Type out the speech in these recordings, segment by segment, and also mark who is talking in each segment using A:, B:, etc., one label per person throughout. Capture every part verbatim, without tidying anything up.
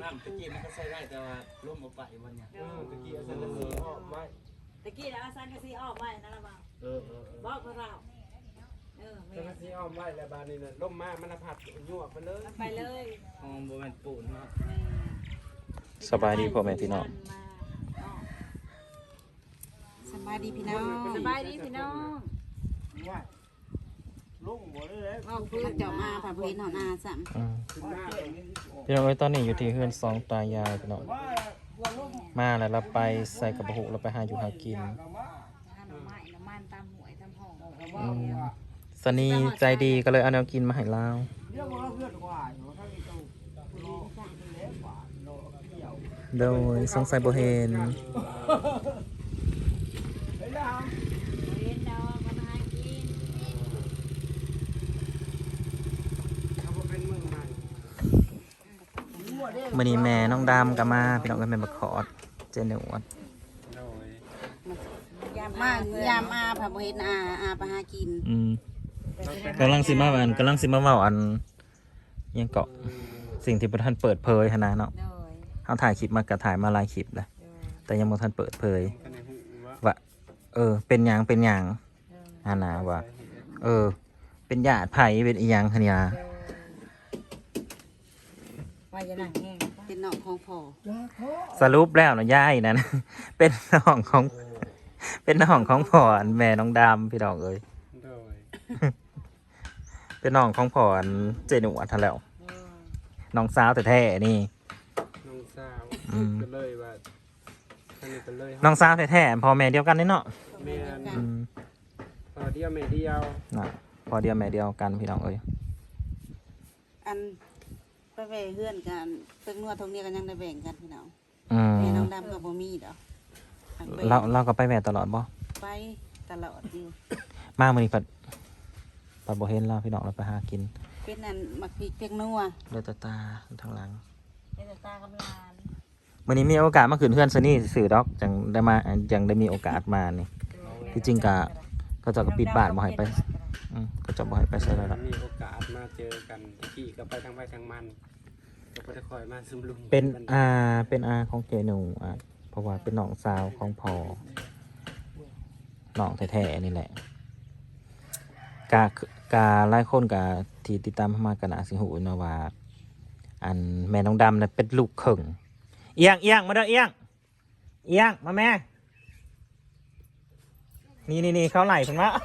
A: น้ำตะกี้มันก็ใช้ได้แต่ว่าร่มเอาไปวันเนี้ยตะกี้อาจารย์สีออกไว้
B: ตะกี้แล้วอาจารย์ก็สีออกไว้นั่นละบ่าวเออเออบอกพวกเราเอออาจารย์สีออกไว้แล้วบานนี้น่ะร่มมากมันผัดยั่วไปเลยไปเลยอ๋อโบแมนปูนเนาะ
C: สบายดีพ่อแม่พี่น้อง
B: สบายดีพี่น้องสบายดีพี่น้อง
A: ลุงบ่ได้เลย
B: เอาเพื่อเจ้ามาผ่าพื้นหอนาซ้
C: ำพี่น้องเอ้ยตอนนี้อยู่ที่เฮือนสองตายายพี่น้องมาแล้วเราไปใส่กระบุกเราไปหาอยู่หากินสนีใจดีก็เลยเอาแนวกินมาให้เราโดยสงสัยโบเฮนมื่อนี้แม่น้องดำกับมาพี่น้องกันเป็นบักขอดเจนเดอวด
B: มายามอาผ่าพื้นอาอาไปหากิน
C: อืมกำลังสิมาอันกำลังสิมาเมาอันยังเกาะสิ่งที่ประธานเปิดเผยขนาดเนาะเขาถ่ายคลิปมากระถ่ายมาหลายคลิปเลยแต่ยังบ่ทันเปิดเผยว่าเออเป็นหยังเป็นหยังฮานาว่าเออเป็นญาติไผ่เป็นอีหยังคะเนี่ย
B: เป็นน้องของพ่อ
C: สรุปแล้วนะยายนั่นเป็นน้องของเป็นน้องของพ่อแม่น้องดำพี่น้องเอ้ยเป็นน้องของพ่อเจนุอัทันแล้วน้องสาวแต่แท้นี่
A: น้องสาวก็เลยว่า
C: น้องสาวแท้ๆพ่อแม่เดียวกันนี่เนาะ
A: แม่พอเดียวแม่เดียว
C: น่ะพอเดียวแม่เดียวกันพี่น้องเอ้ย
B: อันไปแบ่งเพื่อนกันตึกนวดทงนี้กันยังได้แบ่งกันพี่น้อง
C: แ
B: ม่น้องดำกับบ่มีดอก
C: เราเราก็ไปแม่ตลอดบ่
B: ไปตลอดอยู่
C: มามื้อนี้ปัดปัดบ่เห็นเราพี่น้องเราไปหากิน
B: เป็นนั่นมักพริกเพียงนัว
C: เลือดตาทางหลัง
B: เลือดตากำลาน
C: มื้อนี้มีโอกาสมาขึ้นเพื่อนซะนี่สื่อดอกจังได้มาจังได้มีโอกาสมานี่ที่จริงก็เขาเจ้าก็ปิดบ้านบ่ให้ไปอืมเขาเจ้าบ่ให้ไปใส่แล้วล่ะ
A: มีโอกาสมาเจอกันตะกี้ก็ไปทางไปทางมันก็บ่ได้คอยมาซึมลุม
C: เป็นอาเป็นอาของเจหนูอ่ะเพราะว่าเป็นน้องสาวของพ่อน้องแท้ๆนี่แหละกากาหลายคนกาที่ติดตามมากันอาสิหูเนาะว่าอันแม่น้องดำน่ะเป็นลูกเข่งเอียงเอียงมาเด้อเอียงเอียงมาแม่นี่นี่นี่เขาไหลถึงละ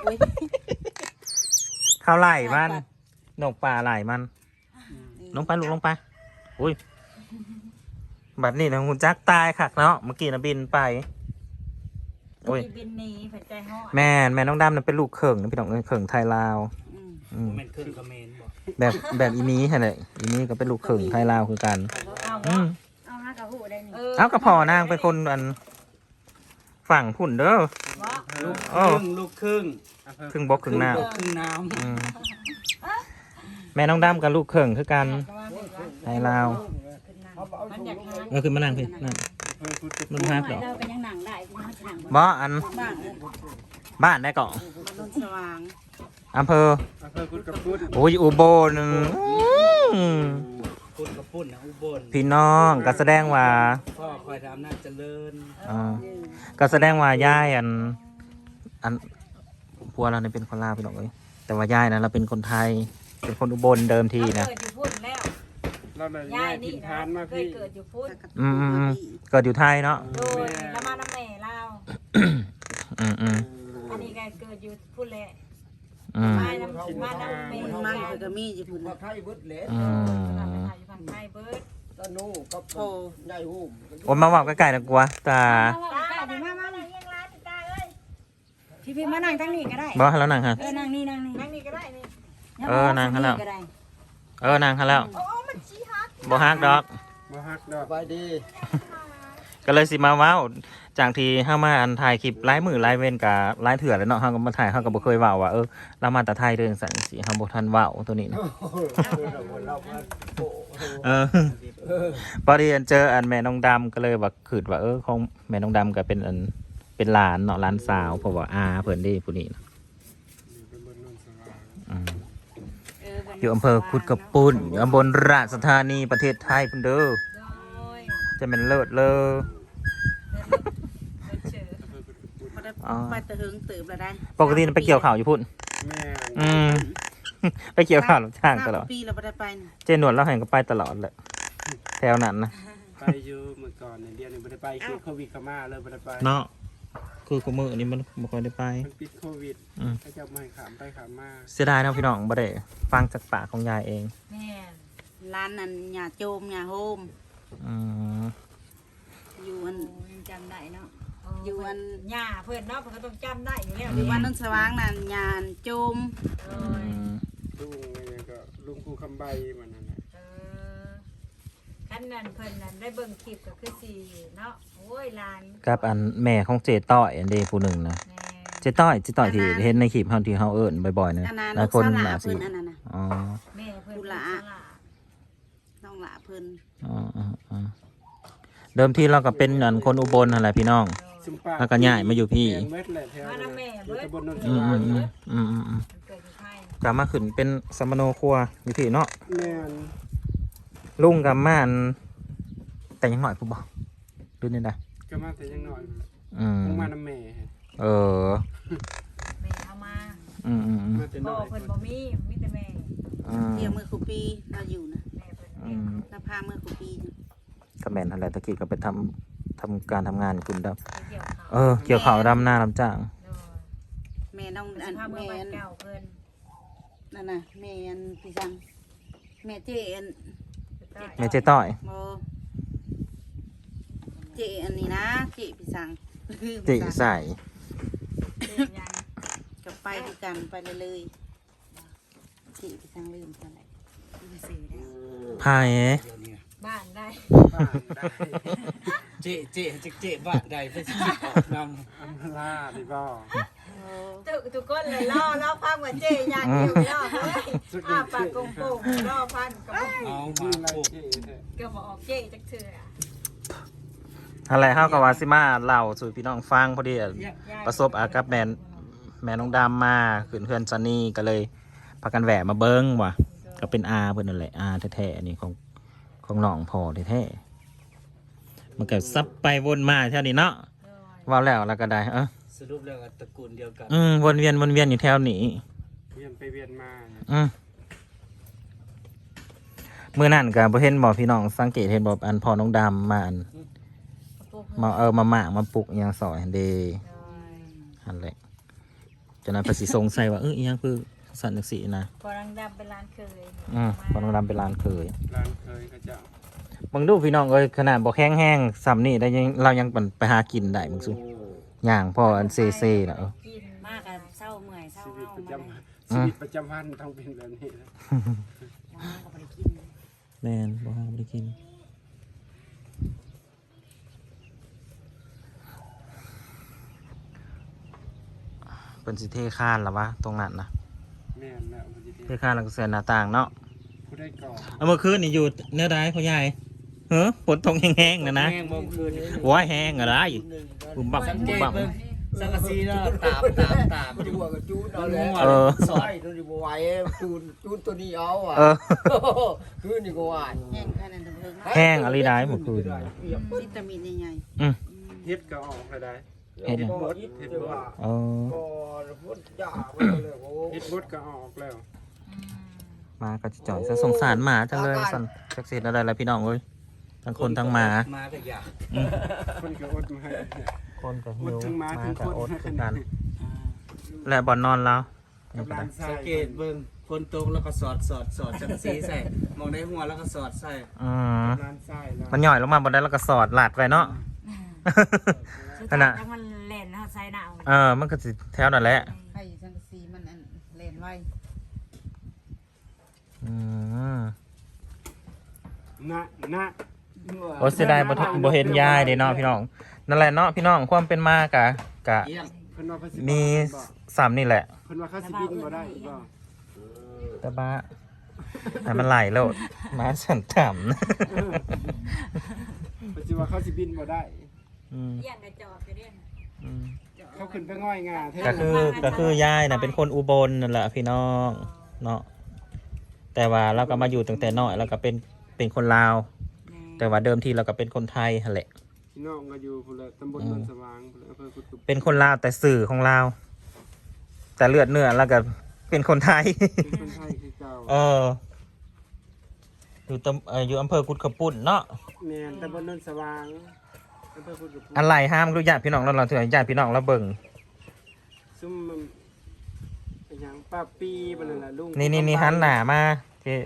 C: เขาไหลมันนกป่าไหลมันลงไปลูกลงไปอุ้ยแบบนี้นะคุณจักตายคักเนาะเมื่อกี้นะบินไป
B: โอ้ยบินหนีผัดใจห่อ
C: แม่แม่น้องดำน่ะเป็นลูกเข่งนะพี่น้องเข่งไทยลาว
A: แม่นเข่งกับเมน
C: แบบแบบอีนี้แหละอีนี้ก็เป็นลูกเข่งไทยลาวคือกัน
B: เอาเอาฮะกระหูได้นี่
C: เอากระพอนางเป็นคนอันฝั่งพุ่นเด้อ
A: ลูกครึ่งลูกครึ่ง
C: ครึ่งบกครึ่งน้
A: ำครึ่งน้
C: ำแม่น้องดำกับลูกเข่งคือกันไทยลาวเออคือมานั่งพี่นั่งมันพักเหรอบ่อันบ้านได้ก่อนอำเภอโอ้ยอุบลพี่น้องก็แสดงว่า
A: พ่อคอยทำน่าเจริญ
C: อ่าก็แสดงว่าย่ายอันอันพัวเราเนี่ยเป็นคนลาวพี่น้องเลยแต่ว่าย่ายนะเราเป็นคนไทยเป็นคนอุบลเดิมทีนะ
A: เราเลยย่ายนี่นะเคย
B: เกิดอยู่พุ่น
C: อืมอืมเกิดอยู่ไทยเนาะ
B: โดยแล้วมาน้ำแม่เล่า
C: อืมอืม
B: อันนี้ก็เกิดอยู่พุ่นแหละ
C: อืม
B: มาน้ำมาน้ำแม่มันก็มีอยู่พุ่น
A: ไทยเบิร์ดเล็ด
C: อื
B: มไทยเบิร์ด
A: ตะนูกับโพใหญ่หู
C: โอ้มาบอกใกล้ๆนะกูวะตา
B: มามามายังร้านตาเอ้ยพี่พี่มานั่งทั้งนี้ก็ได้
C: บอกให้แล้วนั่งฮะ
B: เออนั่งนี่นั่งนี่นั่งนี่ก็ได้นี่
C: เออนั่งให้แล้วเออนั่งให้แล้วบ่ฮักดอก
A: บ่ฮักดอกไปดี
C: ก็เลยสิมาว้าวจากที่เฮามาอันถ่ายคลิปไลฟ์มือไลฟ์เว้นกับไลฟ์เถื่อนแล้วเนาะเฮาก็มาถ่ายเฮาก็บ่เคยว้าวว่าเออเรามาแต่ไทยเรื่องสั่นสิเฮาบ่ทันว้าวตัวนี้นะเออพอดีเจออันแม่น้องดำก็เลยว่าคิดว่าเออของแม่น้องดำก็เป็นอันเป็นหลานเนาะหลานสาวเพราะว่าอาเพิ่นได้ผู้นี้นะอืมอยู่อำเภอคุดกระปุ่นอยู่อำเภอราชธานีประเทศไทยพุ่นเด้อจะเป็นเลิศเลอ อ๋อ
B: ไปตะหึงตื่นแล้วได้
C: ปกติไปเกี่ยวข่าวอยู่พุ่น
A: แม่
C: อืม ไปเกี่ยวข่าวรับจ้างตลอด
B: ปีเราไม่ได้ไปนี่
C: เจนวดเราเห็นก็ไปตลอดแหละแถวนั้นนะ
A: ไปอยู่เมื่อก่อนเนี่ยเดือนหนึงไม่ได้ไปคือโควิดเข้ามาเลยไม่ได้ไป
C: เนาะคือกูมือนี้มันบ่ค่อยได้ไป
A: มันปิดโควิด
C: อืม
A: เขาจะไม่ขามไปขามมา
C: เสียดายเนาะพี่น้องบ่ได้ฟังจากปากของยายเอง
B: แม่ร้านนั้นหญ้าโจมหญ้าโฮม
C: อืม
B: อยู่อัน
D: ยังจำได้เนาะ
B: อยู่อัน
D: หญ้าเพื่อนเนาะเพื่อนก็ต้องจำได้อยู่แล้ว
B: อยู่วันนั้นสว่างนั่นหญ้าโจม
D: เอ
C: อื
D: อ
C: ม
A: ลุงเนี่ยก็ลุงภูคำใบมันนั่นแหละ
D: เออคันนั้นเพื่อนนั้นได้เบิ่งคลิปก็คือสี่เนาะโอ้ยหลาน
C: กับอันแม่ของเจต้อยอันเดผู้หนึ่งนะ
D: แม่
C: เจต้อยเจต้อยที่เห็นในคลิปเฮาที่เฮาเอิ้นบ่อยๆนะ
B: อันนั้น
C: หลาย
B: ลูก
C: คน
B: สาวหลา
C: น่าสิ
B: เพิ่นอันนั้นน่ะ
C: อ๋อ
D: แม่เพื่อน
B: ดูหลา
D: เป็นสล
B: น้องหลาเพิ่น
C: อ๋ออ๋ออ๋อเดิมทีเราก็เป็นอันคนอุบลนั่นแหละพี่น้อง
A: ซุมปา
C: แล้วก็ย้ายมาอยู่พี่
A: แม่นเม็ดแหละแถวนั้นอยู่ตำบลนนท
C: อืม
A: วา
C: อื
A: น
C: มอืมอืมอืม
D: มันเกิดที่ไทย
C: กลับมาขึ้นเป็นสมโนครัวอยู่พี่เนาะ
A: แม่น
C: ลุงกับม่านแต่ยังหน่อยผู้บอกดูนี่ได้
A: ก็มาแต่ยังน้อย
C: อืม
A: คงมาน้ำแม่
C: เออ
D: แม่เอามา
C: อืมอืมอืม
A: มาแต่
D: พ่
A: น้
D: อ
A: อย
D: เพื่อนบ่มีมีแต่แม่
C: อืม
B: เที่ยวมือคุปีเราอยู่นะ
D: แม่เพื่อน
C: อื
D: เลี้ยง
C: ม
B: เราพามือคุปีอยู่
C: ก็แมนอะไรตะกี้ก็ไปทำทำการทำงานคุณดับ
D: ไปเกี่ยวเขา
C: เออ เกี่ยวข่าวดำหน้าดำจ้าง
D: โดย
B: แม่น้อง
D: ส
B: อัน
D: ภาพเมื่อ
B: แม่
D: วัน
B: อัน
D: เก่าเพื่อน
B: นั่นน่ะแม่อันพี่จังแม่เจอัน
C: แม่เจ๊ต้อย
B: โมเจอันนี้นะเจพี่จัง
C: จิใส่
D: เจ๊ยัง
B: กับไปด้วยกันไปเลยเลยๆเจพี่จังลืมกันเลยลืมสื่อแล้ว
C: พาย
D: บ้านได้
A: บ้านได้
E: เจ๊เจ๊เจ๊เจ๊บ้านใดเพื่อสิคิดออกน
A: อัมพลาดีบ่
D: ทุกทุกคนเลยล่อล่อพังว่าเจ๊ยังอยู่ล่อเฮ้ยอ้าปากโป่งๆล่อพันก็บ่
E: ำเอา
A: มี
E: มา
A: อะไร
E: ปลูก
A: เจ๊แท้
D: ก็บ่ออกเจ๊จักเทื่อ
C: อะไรเฮากับวาซิมาเล่าสู่พี่น้องฟังพอดีอะประสบอากับแมนแม่น้องดำมาขึ้นเพื่อนซันนี่ก็เลยพากันแหวะมาเบิ้งว่ะก็เป็นอาเพิ่นนั่นแหละอาแท้ๆอันนี้ของของน้องพ่อแท้ๆมันก็ซับไปวนมาเท่านี้เนาะว่าแล้วแล้วก็ได้เออ
E: สรุปแล้วก็ตระกูลเดียวกัน
C: อืมวนเวียนวนเวียนอยู่แถวนี้
A: เวียนไปเวียนมาเนี่ย
C: อืมเมื่อนั่นก็บ่เห็นบ่พี่น้องสังเกตเห็นบ่อันพ่อน้องดำมาอันมาเออมาหมากมาปลุกอิหยังสอยเดอันแหละจนนั้นภาษีสงสัยว่าเอออิหยังคือสันนิสีนะ
D: พอรังดำเป็นร้านเคย
C: อืมพ่อน้องดำเป็นร้านเคย
A: ร้านเคยเขาจะ
C: มึงดูพี่น้องเอ้ยขนาดบ่แห้งแห้งๆซ้ำนี่ได้ยังเรายังปั่นไปหากินได้มึงสุย่างพ่ออันเซเซ่น่ะเออ
D: กิน
B: มากกันเศร้าเมื่อยเศร้า
A: ชีวิต
B: เฮา
A: ประ
B: มา
A: จ
B: เลย
A: ำชีวิตประจำวันต้องเป็นแบบนี้นะ
B: น้องก็ไปกิน
C: แม่นบ่หาบ่ได้กินเป็นสิเทคานล่ะวะตรงนั้นนะ
A: แม่นแล้วมันจะ
C: เทคานแล้วก็เสียหน้าต่างเนาะ
A: ผู้ได้ก่อ
C: เอาเมื่อคืนนี่อยู่เนื้อได้พ่อใหญ่เฮ้อฝนตกแห้งๆนะนะ
E: แห้งบ่มคืนนี่
C: ว้ายแห้งอะไรบุ่มบั่ม
E: สัง
C: บุ่
E: เก
C: ม
E: ต
C: บั่ม
E: เบิ่งสังกะสีเนาะตามตามตามอยู่
F: หัวกับจูดเอาเลย
C: เออ
E: สอ
F: ใช่
E: ด
F: ตัวนี้บไหวจูดจูดตัวนี้เอาอ่ะ
C: เออ
F: คือนี่ก็ว่า
B: แห้งแค่นั้นเอง
C: แห้งอะไรได้เมื่อคืน
B: วิตามินใหญ่
C: อืม
A: เฮ็ดก็ออกเลยได้
C: เฮ็ดหยัง
F: บดเฮ็ดว่า
C: เออ
F: ก็พุทธยาไปเลยโอ้
A: เฮ็ดบดก็ออกแล้ว
C: มาก็จะจ่อยซะสงสารหมาจังเลยสันจักเสียอะไรแล้วพี่น้องเอ้ยทั้งคนทั้งหมา
E: มาก็อยาก
A: คนก็อดมาให้
C: คนกับหิ
A: อด
C: ว
A: ทั้งหมาทั้ง
C: กับ
A: คน
C: อดคือกันและบอลนอนแล้ว
A: กับร้านทรา
E: สั
A: ย
E: งเกตเบิ่งคนตรงแล้วก็สอดสอดสอดสังกะสีใส่มองในหัวแล้วก็สอดใส่
C: อืม
A: ร้านทรายแล้ว
C: มันหย่อยลงมาบนได้แล้วก็สอดหลาดไปเนาะ
D: สุด
C: ข
D: ท้าย
C: นาด
D: ถ้ามันเล่นนะใส่หนาว
C: เออมันก็สิแถวนั่นแหละ
B: ๆให้สังกะสีมันอันเล่นไว้
C: อืม
A: นะนะ
C: โอ้เสียดายบ่ทันบ่เห็นยายเด้เนาะพี่น้องนั่นแหละเนาะพี่น้องความเป็นมากะกะ
E: เยี่ยม
A: เพิ่นว่าเขาสิ
C: มี
A: บ่
C: สามนี่แหละ
A: เพิ่นว่าเขาสิบินบ่ได้บ่
C: แต่บ้าให้มันไหลโลดมาสันต่ำนะ
A: เออเพิ่นสิว่าเขาสิบินบ่ได้
C: อืม
D: เยี่ยงกระจอกจะเรียน
C: อืม
A: เขาขึ้นไปง่อยงาเท่
C: ก็คือก็คือยายน่ะเป็นคนอุบลนั่นแหละพี่น้องเนาะแต่ว่าเราก็มาอยู่ตั้งแต่น้อยแล้วก็เป็นเป็นคนลาวแต่ว่าเดิมทีเราก็เป็นคนไทยหั่นแหละ
A: พี่น้องก็อยู่พุ่นแหละตำบลนนสว่างพุ่นแหละอำเภอกุดตุบ
C: เป็นคนลาวแต่สื่อของลาวแต่เลือดเนื้อแล้วก็เป็นคนไทย
A: เป็นคนไทยคือเก่า
C: เอออยู่ตำเอ่ออยู่อำเภอกุดขปุ่นเนาะ
A: แม่นตำบลนนสว่างอำเภอกุดตุบ
C: อะไรห้ามรู้ญาติพี่น้องเราเราถือญาติพี่น้องเราเบิ่ง
A: ซุ่มมันเป็นหยังป้าปีบ่นั่นล่ะลุง
C: นี่นี่นี่หันหน้ามาเจ้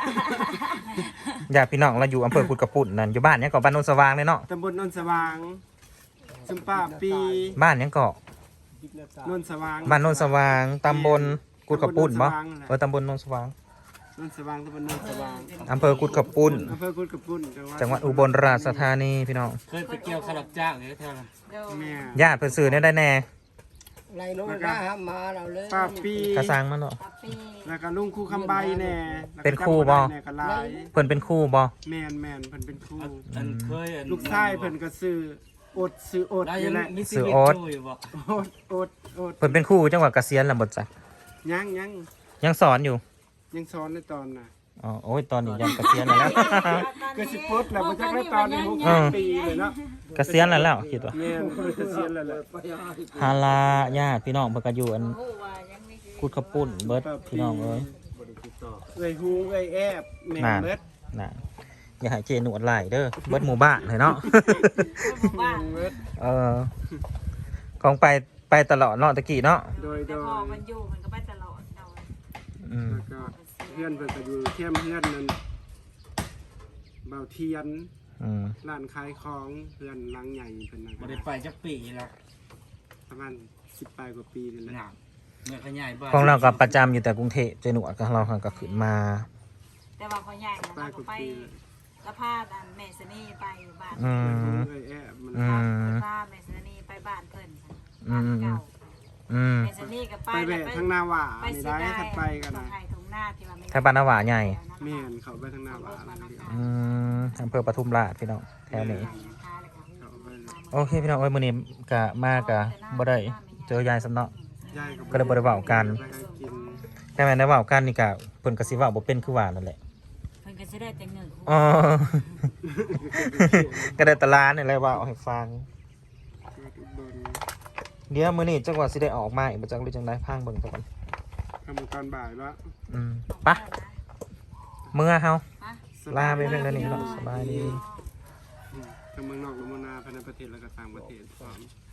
C: ญาติพี่น้องเราอยู่อำเภอกุดขปุ่นนั่นอยู่บ้านเนี้ยก็บ้านโนนสว่างเลยเนาะ
A: ตำบลนนสว่างซุ่มป้าปี
C: บ้านเนี้ยก็
A: นนสว่าง
C: บ้านโนนสว่างตำบลกุดขปุ่นบ่เออตำบลโนนสว่าง
A: นนสว่างตำบลนนสว่าง
C: อำเภอกุดขปุ่น
A: อำเภอกุดกระปุ่น
C: จังหวัดอุบลราชธานีพี่น้อง
E: เคยไปเกี่ยวขลับจ้างอยู่แถวนั้น
B: โดย
A: แม่
C: ญาติเพิ่นซื้อเนี่ยได้แน่
F: ไรโน้นนะฮะมาเราเลย
A: ป้าปี
C: กระซังมันเนาะ
B: ปับปี
A: แล้วก็ลุงครูคำใบแน่แล้วก็
C: เป็นครูบ่
A: จำได้แน่ก็หลาย
C: เพิ่นเป็นครู่บ่
A: แม่นแม่นเพิ่นเป็นครู
E: อันเคยอัน
A: ลูกชายเพิ่นก็ซื้ออดซื้ออด
E: แล้ว
A: อ
E: ยั
A: ยู่
E: ง
A: แหละ
E: มีชีวิตอยู่อยู่บ่
A: อดอดอด
C: เพิ่นเป็นครู่จังหวัดเกษียณแล้วบ่จ๊ะ
A: ยังยัง
C: ยังสอนอยู่
A: ยังสอนในตอนน่ะ
C: อ๋อโอ้ยตอนนี้ยังเกษียณแล้ว
A: ก็สิปลดแล้วบ่จักได้ตอนนี้หก
C: อืม
A: ปีเลยเนาะ
C: เกษียณแล้วแล้วคิดว่า
A: แม่นเพิ่นเกษียณแล้วแหละ
C: ฮาลาญาติพี่น้องเพิ่นก็อยู่อัน
B: โอ้ว่ายังมีชีวิต
C: กุดขปุ่นเบิดพี่น้องเอ้ย
A: เอ้ยฮูเอ้ยแอบแม่น
C: น่ะ
A: เบิด
C: น่ะอย่าให้เจหนวดไหลเด้อเบิดหมู่บ้านเลยเนาะ
B: บ้าน
A: เบิด
C: เออของไปไปตลอดเนาะตะกี้เนาะ
A: โดยโด
B: แต่
A: ย
B: พอมันอยู่มันก็ไปตลอดเอา
C: อืม
A: แล้วก็เพื่อนเพิ่นก็อยู่เทียมเพื่อนนั่นเบาเทียน
C: อืม
A: ร้านขายของเพื่อนหลังใหญ่เพิ่นนั่น
E: บ่ได้ไปจักปีแล้ว
A: ประมาณสิบปลายกว่าปีนี่แหละ
E: หนักเมื่อขยายบ้าน
C: ของเราก็ประจำอยู่แต่กรุงเทพเจหนวดก็เราก็ขึ้นมา
B: แต่ว่าพอใหญ่นะ
A: ปลาย
B: เรา
A: ก
B: ก็
A: ว่า
B: ไป
A: ปี
B: กระพาดอันแม่สนีไปอยู่บ้าน
C: อืม
A: เอ้ยแอบมัน
C: อื
B: ก
C: ม
B: ระพาแม่สนีไปบ้านเพิ่น
C: อื
B: บ้าน
C: ม
B: เก่า
C: อืม
B: แม่สนีก็ไป
A: ไปแบะทางหน้าหว่า
B: ไป
A: นี่
B: สิ
A: ได้
B: ได้
A: ถัดไปกัน
B: ตร
A: นะ
B: งไห้ตรงหน้าที่ว่าไม่
C: ถ้าบ้านนาหวาใหญ่
A: แม่นเขาไปทางหน้าหว่าแล้วเดียว
C: อืมอำเภอปทุมราชพี่น้องแถวนี้
A: เขาไปเลย
C: โอเคพี่น้องเอ้ยมื้อนี้กะมากะบ่ได้เจอยายสำเนาะ
A: ยาย
C: ก็เลยบ่ได้เว้ากัน
A: ไปหากิน
C: แค่แม่นได้เว้ากันนี่กะเพิ่นก็สิเว้าบ่เป็นคือว่านั่นแหละ
B: เพิ่นก็สิได้แต่เงิน
C: อ๋อ ก็ได้แตลาดนี่แหละเว้าให้ฟัง
A: เกิดอุบล
C: เดี๋ยวมื้อนี้จังหวัดสิได้ออกมาอีกบ่จังหรือจังไดพังเบิ่งซะก่อน
A: ทำตอนบ่ายว่า
C: อืมไปเมื่อเฮาลาไปเพียงเท่านี้เนาะสบายดี
A: ทั้งเมืองนอกและเมืองนาภายในประเทศและก็ต่างประเทศพร้อม